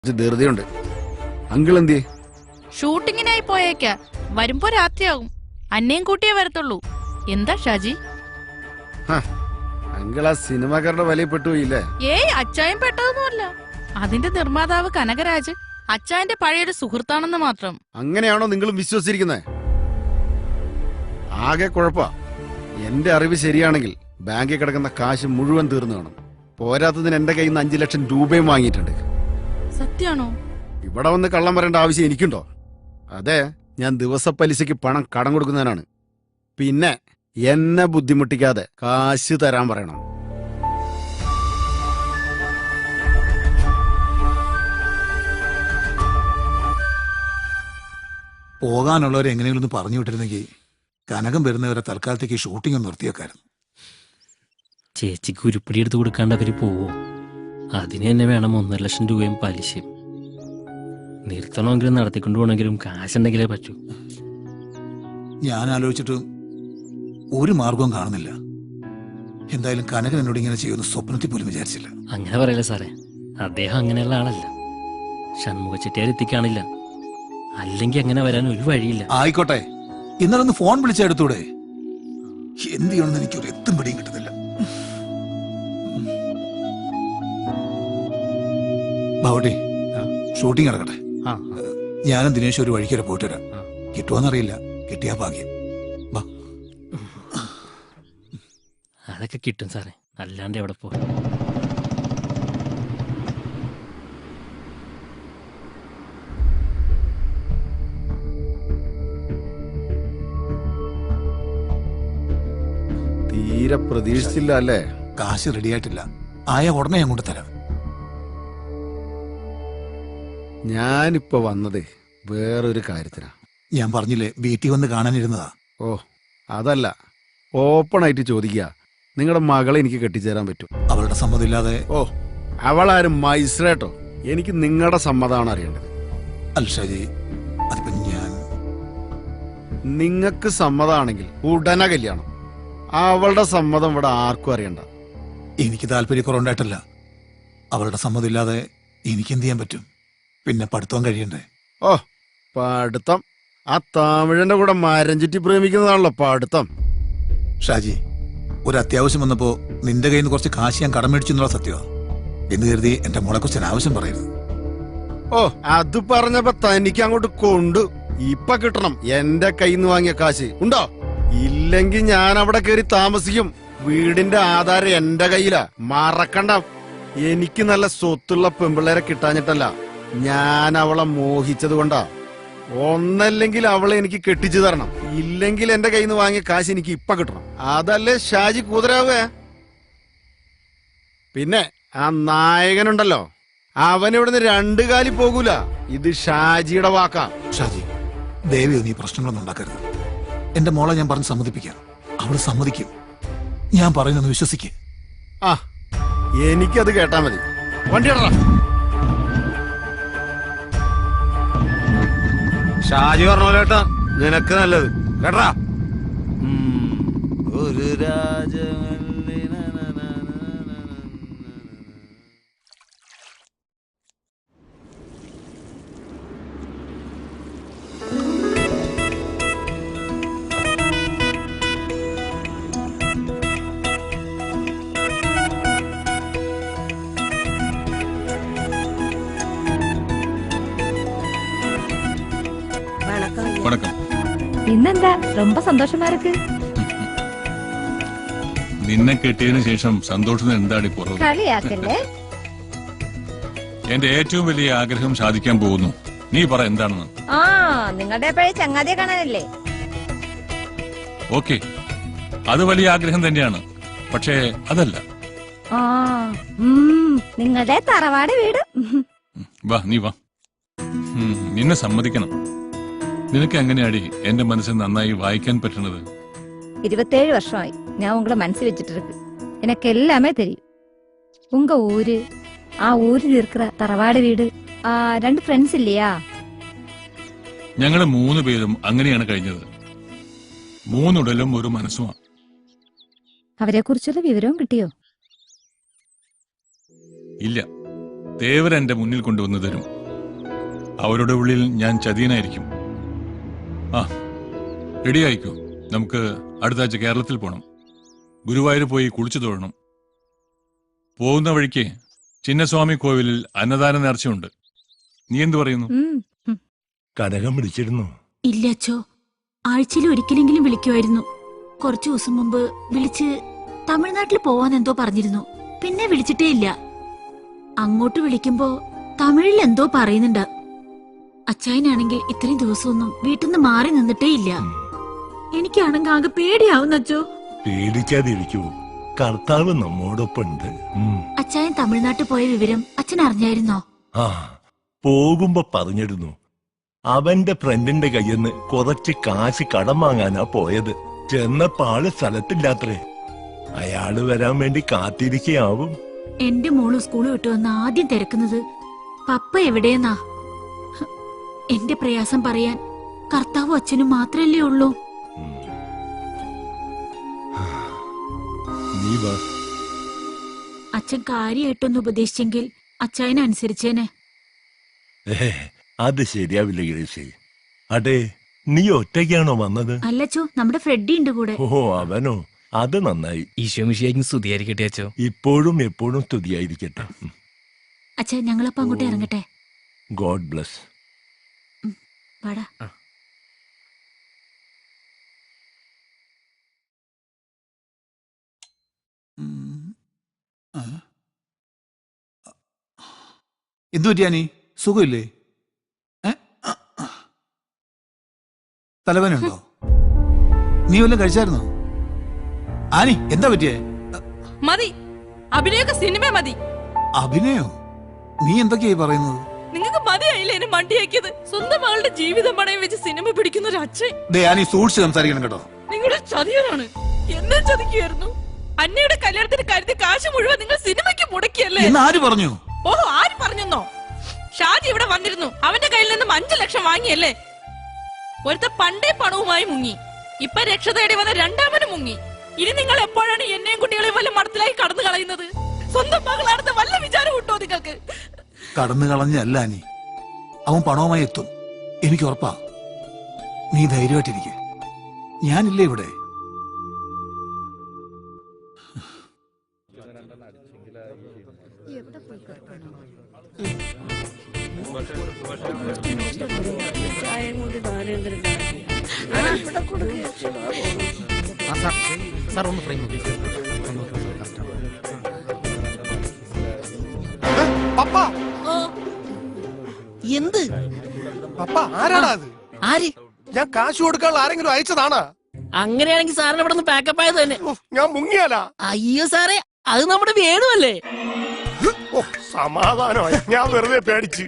ധൃതിയുണ്ട്. Uncle എന്തിയെ? ഷൂട്ടിങ്ങിനായി പോയേക്ക. വരുമ്പോ രാത്രിയാകും. അന്നേം കൂട്ടിയേ വരത്തുള്ളൂ. എന്താ ഷാജി? അങ്കിൾ ആ സിനിമാക്കാരുടെ വലയിൽ പെട്ടുപോയില്ലേ? ഏയ്, അച്ചായൻ പെട്ടതൊന്നുമല്ല. അതിന്റെ നിർമ്മാതാവ് കനകരാജ് അച്ചായന്റെ പഴയൊരു സുഹൃത്താണെന്ന് മാത്രം. അങ്ങനെയാണോ നിങ്ങളും വിശ്വസിച്ചിരിക്കുന്നത്? ആകെ കുഴപ്പാ. എന്റെ അറിവ് ശരിയാണെങ്കിൽ ബാങ്കിൽ കിടക്കുന്ന കാശ് മുഴുവൻ തീർന്നു കാണും. പോരാത്തതിന് എന്റെ കയ്യിൽ നിന്ന് 5 ലക്ഷം രൂപയും വാങ്ങിയിട്ടുണ്ട്. സത്യാണോ? ഇവിടെ വന്ന് കള്ളം പറയേണ്ട ആവശ്യം എനിക്കുണ്ടോ? അതെ, ഞാൻ ദിവസപ്പലിശയ്ക്ക് പണം കടം കൊടുക്കുന്നതിനാണ്. പിന്നെ എന്നെ ബുദ്ധിമുട്ടിക്കാതെ കാശ് തരാൻ പറയണം. പോകാനുള്ളവരെ എങ്ങനെയെങ്കിലും ഒന്ന് പറഞ്ഞു വിട്ടിരുന്നെങ്കിൽ കനകം വരുന്നവരെ തൽക്കാലത്തേക്ക് ഷൂട്ടിംഗ് ഒന്ന് നിർത്തിയേക്കായിരുന്നു. ചേച്ചിക്ക് ഉരുപ്പിടി എടുത്ത് കൊടുക്കാണ്ട് അവര് പോവോ? അതിന് തന്നെ വേണം 1.5 ലക്ഷം രൂപയും പലിശയും. നിർത്തണമെങ്കിലും നടത്തിക്കൊണ്ടു പോകണമെങ്കിലും കാശുണ്ടെങ്കിലേ പറ്റൂ. ഞാൻ ആലോചിച്ചിട്ട് ഒരു മാർഗവും കാണുന്നില്ല. എന്തായാലും കനകൻ എന്നോട് ഇങ്ങനെ ചെയ്യുന്ന സ്വപ്നത്തിൽ പോലും വിചാരിച്ചില്ല. അങ്ങനെ പറയല്ലേ സാറേ, അദ്ദേഹം അങ്ങനെയുള്ള ആളല്ല. ഷൺമുഖ ചെട്ടിയാർ എത്തിക്കാണില്ല. അല്ലെങ്കിൽ അങ്ങനെ വരാൻ ഒരു വഴിയില്ല. ആയിക്കോട്ടെ, ഇന്നലെ ഒന്ന് ഫോൺ വിളിച്ചെടുത്തൂടെ? എന്ത് ചെയ്യണമെന്ന് എനിക്കൊരു എത്തും പിടിയും കിട്ടുന്നില്ല. ബാവട്ടെ, ഷൂട്ടിംഗ് നടക്കട്ടെ. ഞാനും ദിനേശ് ഒരു വഴിക്ക് വരെ പോയിട്ട് വരാം. കിട്ടുമോന്നറിയില്ല, കിട്ടിയാ ഭാഗ്യം. അതൊക്കെ കിട്ടും സാറേ, അല്ലാണ്ട് എവിടെ പോകും? തീരെ പ്രതീക്ഷിച്ചില്ല അല്ലേ? കാശ് റെഡിയായിട്ടില്ല. ആയ ഉടനെ ഞാൻ കൊണ്ട് തരാം. ഞാനിപ്പോ വന്നതേ വേറൊരു കാര്യത്തിനാ. ഞാൻ പറഞ്ഞില്ലേ, വീട്ടിൽ വന്ന് കാണാനിരുന്നതാ. ഓ, അതല്ല, ഓപ്പൺ ആയിട്ട് ചോദിക്കുക, നിങ്ങളുടെ മകളെ എനിക്ക് കെട്ടിച്ചേരാൻ പറ്റും? അവളുടെ സമ്മതമില്ലാതെ? ഓ, അവളാരും മൈസ്രേട്ടോ. എനിക്ക് നിങ്ങളുടെ സമ്മതമാണ് അറിയേണ്ടത്. അല്ല ഷാജി, അതിപ്പോ നിങ്ങൾക്ക് സമ്മതമാണെങ്കിൽ ഉടനെ കല്യാണം. അവളുടെ സമ്മതം ഇവിടെ ആർക്കും അറിയണ്ട. എനിക്ക് താല്പര്യക്കുറവുണ്ടായിട്ടല്ല. അവളുടെ സമ്മതമില്ലാതെ എനിക്ക് എന്ത് ചെയ്യാൻ പറ്റും? പിന്നെ പഠിത്തം കഴിയണ്ടേ? ഓ, പഠിത്തം? ആ തമിഴന്റെ കൂടെ മരം ചുറ്റി പ്രേമിക്കുന്നതാണല്ലോ പഠിത്തം. ഷാജി, ഒരു അത്യാവശ്യം വന്നപ്പോ നിന്റെ കയ്യിൽ നിന്ന് കുറച്ച് കാശ് ഞാൻ കടം മേടിച്ചു എന്നുള്ള സത്യമാണ്. എന്ന് കരുതി എന്റെ മോളെ കുറിച്ച് അനാവശ്യം പറയരുത്. ഓ, അത് പറഞ്ഞപ്പോ തനിക്ക് അങ്ങോട്ട് കൊണ്ടു. ഇപ്പൊ കിട്ടണം എന്റെ കയ്യിൽ നിന്ന് വാങ്ങിയ കാശ്. ഉണ്ടോ? ഇല്ലെങ്കിൽ ഞാൻ അവിടെ കയറി താമസിക്കും. വീടിന്റെ ആധാരം എന്റെ കയ്യിലാ, മറക്കണ്ട. എനിക്ക് നല്ല സ്വത്തുള്ള പെമ്പിള്ളേരെ കിട്ടാഞ്ഞിട്ടല്ല, ഞാൻ അവളെ മോഹിച്ചത് കൊണ്ടാ. ഒന്നല്ലെങ്കിൽ അവളെ എനിക്ക് കെട്ടിച്ചു തരണം, ഇല്ലെങ്കിൽ എന്റെ കയ്യിൽ നിന്ന് വാങ്ങിയ കാശ് എനിക്ക് ഇപ്പൊ കിട്ടണം. അതല്ലേ ഷാജി കൂതരാവേ? പിന്നെ ആ നായകനുണ്ടല്ലോ, അവൻ ഇവിടുന്ന് 2 കാലി പോകൂല. ഇത് ഷാജിയുടെ വാക്കാ. ഷാജി, ദേവി നീ പ്രശ്നങ്ങളൊന്നും ഉണ്ടാക്കരുത്. എന്റെ മോളെ ഞാൻ പറഞ്ഞ് സമ്മതിപ്പിക്കാം. അവള് സമ്മതിക്കും. ഞാൻ പറയുന്നൊന്ന് വിശ്വസിക്ക്. ആ, എനിക്കത് കേട്ടാ മതി. വണ്ടി ഇടറാ. ഷാജി പറഞ്ഞോലേട്ടാ, നിനക്ക് നല്ലത് കേട്ടാ. ഒരു ഇന്നെന്താ ரொம்ப സന്തോഷമാ ഇருக்கு? നിന്നെ കെട്ടിയതിനു ശേഷം സന്തോഷത്തിന് എന്താടി പുറത്ത്? കളിയാക്കല്ലേ? എന്റെ ഏറ്റവും വലിയ ആഗ്രഹം സാധിക്കാൻ പോകുന്നു. നീ പറ എന്താണെന്ന്. ആ, നിങ്ങളുടെ പഴയ ചങ്ങാതിയെ കാണാനല്ലേ? ഓക്കെ, അത് വലിയ ആഗ്രഹം തന്നെയാണ്. പക്ഷേ അതല്ല. ആ, നിങ്ങളുടെ തറവാട് വീട്. വാ, നീ വാ. നിന്നെ സമ്മതിക്കണം. നിനക്ക് എങ്ങനെയാടി എന്റെ മനസ്സിൽ നന്നായി വായിക്കാൻ പറ്റുന്നത്? 27 வருஷമായി ഞാൻ ഉങ്ങളെ മനസ്സിൽ വെച്ചിട്ട് ഇருக்கு. எனக்கு எல்லாமே தெரியும். உங்க ஊரு, ആ ഊരിൽ இருக்கிற തറവാട് വീട്, 2 ഫ്രണ്ട്സ് ഇല്ലയാ? ഞങ്ങള് 3 പേരും അങ്ങനെയാണ് കഴിഞ്ഞത്. 3 ഉടലും ഒരു മനസ്സുമാണ്. അവരെ കുറിച്ചുള്ള വിവരവും കിട്ടിയോ? ഇല്ല, തേവർ എന്റെ മുന്നിൽ കൊണ്ടുവന്നു തരും. അവരുടെ ഉള്ളിൽ ഞാൻ ചതിയനായിരിക്കും. ആ, റെഡി ആയിക്കോ. നമുക്ക് അടുത്ത ആഴ്ച കേരളത്തിൽ പോകണം. ഗുരുവായൂർ പോയി കുളിച്ചു തൊഴണം. പോകുന്ന വഴിക്ക് ചിന്നസ്വാമി കോവിലിൽ അന്നദാന നേർച്ചയുണ്ട്. നീ എന്തു പറയുന്നു? കനകം വിളിച്ചിരുന്നു? ഇല്ല അച്ചോ, ആഴ്ചയിൽ ഒരിക്കലെങ്കിലും വിളിക്കുമായിരുന്നു. കുറച്ചു ദിവസം മുമ്പ് വിളിച്ച് തമിഴ്നാട്ടിൽ പോവാൻ എന്തോ പറഞ്ഞിരുന്നു. പിന്നെ വിളിച്ചിട്ടേ ഇല്ല. അങ്ങോട്ട് വിളിക്കുമ്പോ തമിഴിൽ എന്തോ പറയുന്നുണ്ട്. അച്ചായനാണെങ്കിൽ ഇത്രയും ദിവസമൊന്നും വീട്ടിൽ നിന്ന് മാറി നിന്നിട്ടേ ഇല്ല. എനിക്കാണെങ്കിൽ ആകെ പേടിയാവുന്ന അച്ചോ. പേടിക്കാതിരിക്കൂ, കർത്താവ് നമ്മോടൊപ്പമുണ്ട്. അച്ചായൻ തമിഴ്നാട്ടിൽ പോയ വിവരം അച്ഛൻ അറിഞ്ഞായിരുന്നോ? ആ, പോകുമ്പോ പറഞ്ഞിരുന്നു. അവന്റെ ഫ്രണ്ടിന്റെ കയ്യിന്ന് കുറച്ച് കാശ് കടം വാങ്ങാനാ പോയത്. ചെന്നപ്പോ ആള് സ്ഥലത്തില്ലാത്രേ. അയാള് വരാൻ വേണ്ടി കാത്തിരിക്കയാവും. എന്റെ മോള് സ്കൂൾ വിട്ടു വന്ന് ആദ്യം തിരക്കുന്നത് പപ്പ എവിടെയെന്നാ. എന്റെ പ്രയാസം പറയാൻ കർത്താവും അച്ഛനും മാത്രല്ലേ ഉള്ളൂ. നീ വാ. അച്ഛൻ കാര്യമായിട്ടൊന്ന് ഉപദേശിച്ചെങ്കിൽ അച്ചായനനുസരിച്ചേനെ. അത് ശരിയാവില്ല ഗ്രേസി. അതെ, നീ ഒറ്റയ്ക്കാണോ വന്നത്? അല്ലച്ചോ, നമ്മുടെ ഫ്രെഡി ഉണ്ട് കൂടെ. ഓ, അവനോ? അത് നന്നായി. ഈശോമിശിയായിരിക്കും സ്തുതിയായിരിക്കട്ടെ അച്ചോ. ഇപ്പോഴും എപ്പോഴും സ്തുതിയായിരിക്കട്ടെ. അച്ഛാ, ഞങ്ങളപ്പോ അങ്ങോട്ട് ഇറങ്ങട്ടെ. God bless. വാടാ. എന്തു പറ്റിയാനി? സുഖമില്ലേ? തലവേനുണ്ടോ? നീ വല്ലതും കഴിച്ചായിരുന്നോ? ആനി, എന്താ പറ്റിയേ? മതി, അഭിനയൊക്കെ സിനിമ മതി. അഭിനയോ? നീ എന്തൊക്കെയായി പറയുന്നത്? നിങ്ങൾക്ക് മതിയായില്ലേ എന്നെ മണ്ടിയാക്കിയത്? സ്വന്തം മകളുടെ ജീവിതം പണയം വെച്ച് സിനിമ പിടിക്കുന്ന ഒരു അച്ഛൻ. ആനി, സൂക്ഷിച്ച് സംസാരിക്കണം കേട്ടോ. നിങ്ങളുടെ ചതിയനാണ്. എന്നെ ചതിക്കുകയായിരുന്നു. അന്നയുടെ കല്യാണത്തിന് കരുതി കാശ് മുഴുവൻ നിങ്ങൾ സിനിമയ്ക്ക് മുടക്കിയല്ലേ? എന്ന് ആര് പറഞ്ഞു? ഓഹോ, ആര് പറഞ്ഞെന്നോ? ഷാജി ഇവിടെ വന്നിരുന്നു. അവന്റെ കയ്യിൽ നിന്നും 5 ലക്ഷം വാങ്ങിയല്ലേ? ഒരുത്ത പണ്ടേ പണവുമായി മുങ്ങി. ഇപ്പൊ രക്ഷ തേടി വന്ന രണ്ടാമനും മുങ്ങി. ഇനി നിങ്ങൾ എപ്പോഴാണ് എന്നെയും കുട്ടികളെയും വല്ല മടത്തിലായി കടന്നു കളയുന്നത്? സ്വന്തം മകളാണെന്ന് വല്ല വിചാരം കിട്ടോ നിങ്ങൾക്ക്? കടന്നു കളഞ്ഞല്ല ആനി, അവൻ പണവുമായി എത്തും, എനിക്ക് ഉറപ്പാ. നീ ധൈര്യമായിട്ടിരിക്കെ, ഞാനില്ലേ ഇവിടെ. എന്ത് പപ്പ, ആരാടാ അത്? ആര്? ഞാൻ കാശ് കൊടുക്കാനുള്ള ആരെങ്കിലും അയച്ചതാണാ? അങ്ങനെയാണെങ്കിൽ സാറിന് ഇവിടെ നിന്ന് പാക്കപ്പ് ആയത് തന്നെ. ഞാൻ മുങ്ങിയാലാ? അയ്യോ സാറേ, അത് നമ്മുടെ വേണുവല്ലേ? സമാധാനമായി, ഞാൻ വെറുതെ പേടിച്ച്.